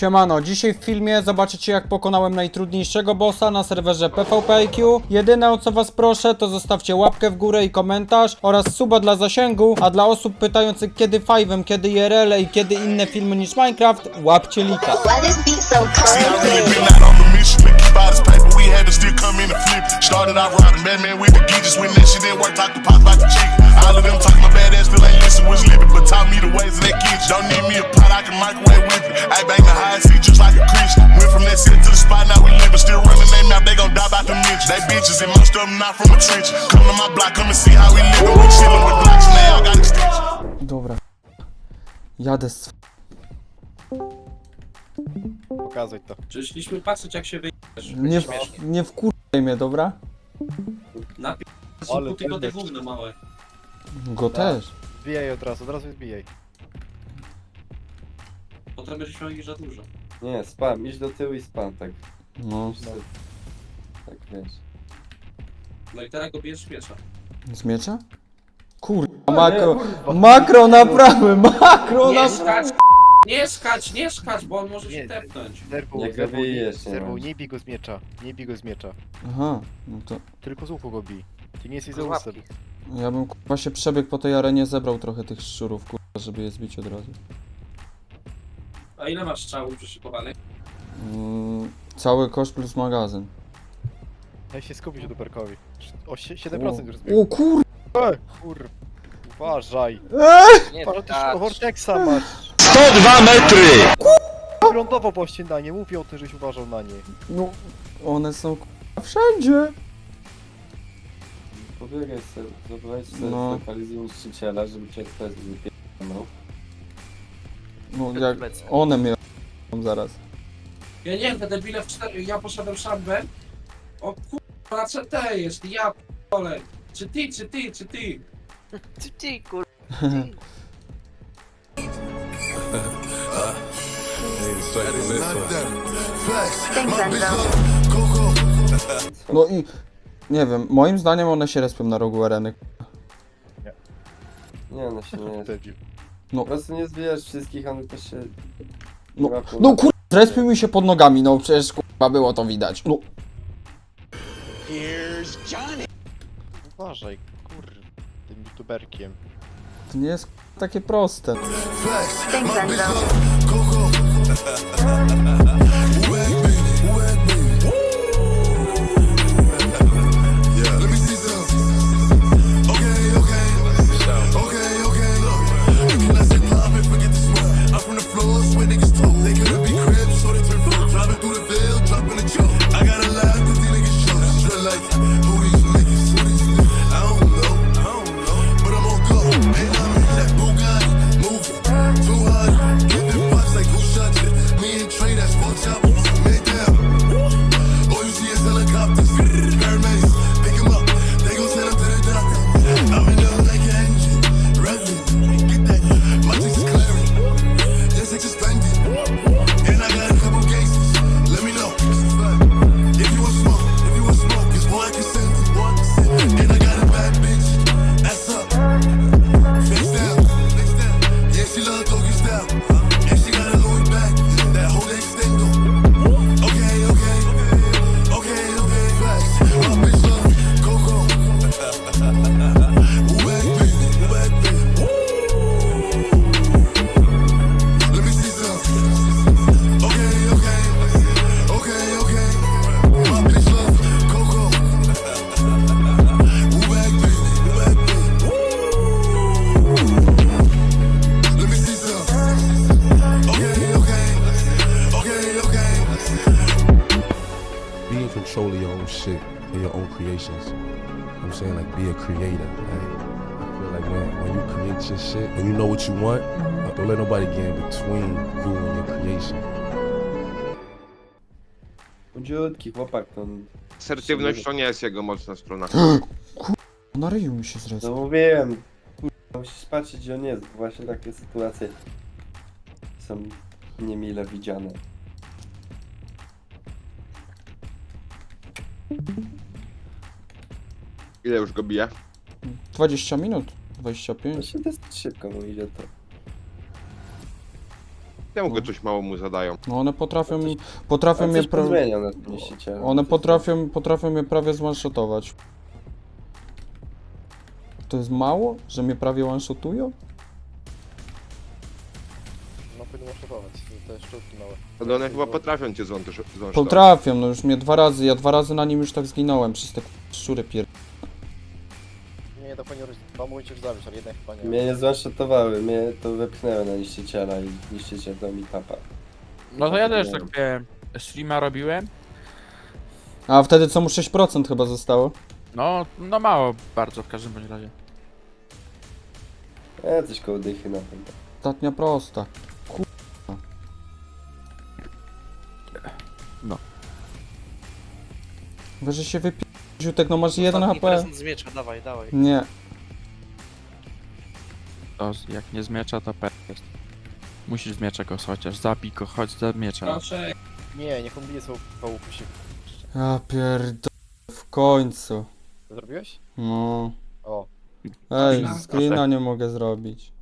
Siemano, dzisiaj w filmie zobaczycie jak pokonałem najtrudniejszego bossa na serwerze PvPIQ. Jedyne o co was proszę to zostawcie łapkę w górę i komentarz oraz suba dla zasięgu, a dla osób pytających kiedy Five'em, kiedy IRL i kiedy inne filmy niż Minecraft, łapcie lika. I bang the high seat just like a Christian. Went from that city to the spot, now we living, still running they mouth, they gon' die by the mention. They bitches and most of them not from a trench. Come to my block, come and see how we living. We chillin' with blocks and they all got extensions. Dobra. Jadę z... Pokazuj to. Przyszliśmy patrzeć jak się wyjdziesz. Nie wkurwaj mnie, dobra? Napierdź tylko te gówno małe. Go też. Zbijaj od razu zbijaj. Potem będziesz miał ich za dużo. Nie, spam, idź do tyłu i spam, tak. No, Tak wiesz. No i teraz go bijesz z miecza. z miecza? Kurwa, makro naprawy, makro Nie naprawy. skacz! Nie skacz, bo on może się tepnąć. Jak go bijesz, nie Zerwał, masz. nie bij go z miecza. Nie bij go z miecza. Aha, no to Tylko z łuku go bij. Ty nie jesteś za łusem. ja bym kurwa się przebiegł po tej arenie, zebrał trochę tych szczurów, kurwa, żeby je zbić od razu. A ile masz strzałów przyszykowanych? Cały koszt plus magazyn. Daj się skupić Duperkowi. O 7% już zbiegł. O kur... Kur... Uważaj. Nie, Patrz, ty tak. Vortexa masz. 102 metry! Lądował właśnie na nie. Mówię o tym, żeś uważał na nie. No, one są kurwa wszędzie. Pobiegaj sobie, zobaczyć sobie No. lokalizuj niszczyciela, żeby cię ktoś wypierdolał. No jak one mnie zaraz. Ja nie wiem, te debile w 4... Ja poszedłem szambę. O kurwa, na CT jest, ja p***ole. Czy ty? Ty kur... No i... Nie wiem, moim zdaniem one się respią na rogu areny. Nie, one się nie... Debil. Po prostu nie zbijasz wszystkich, one też się... No kurwa, respił mi się pod nogami, no przecież kurwa było to widać. No. Uważaj, kur... Tym youtuberkiem. To nie jest kurwa takie proste. Be in control of your own shit and your own creations. I'm saying, like, be a creator, right? I feel like, man, when you create your shit, when you know what you want, don't let nobody get in between you and your creation. Chudziutki chłopak, to... Asertywność to nie jest jego mocna strona. Na ryju mi się zrespił. No mówiłem, kurwa, musisz patrzeć gdzie on jest, bo właśnie takie sytuacje są niemile widziane. Ile już go bije? 20 minut, 25. Właśnie dosyć szybko mu idzie to. Czemu go coś mało mu zadają? No one potrafią A mnie coś zmieniał na tym niszczycielu. One potrafią mnie prawie zone-shotować. To jest mało? Że mnie prawie one-shotują? No powinno szatować, te szczotki małe. Ale one chyba potrafią cię złączyć. Potrafią, no już mnie 2 razy, ja 2 razy na nim już tak zginąłem przez te szczury Nie, to powinno być, dwa mogą cię już zabić, ale jednak chyba nie. Mnie nie zwanshotowały, mnie to wepchnęły na niszczyciela i niszczyciel dał mi tapa. No to ja też tak streama robiłem. A wtedy co mu 6% chyba zostało? No mało bardzo w każdym bądź razie. Coś koło dychy na pewno. Ostatnia prosta. No. Weź, że się wypi... Ziutek, no masz 1 HP. z miecza, dawaj. Nie. To jak nie z miecza to jest. Musisz z miecza go chociaż, zabij go, chodź za miecza. Proszę, Nie, niech on bije są pałupy się. Ja pierdolę. W końcu. Zrobiłeś? No. O. Ej, screena nie mogę zrobić.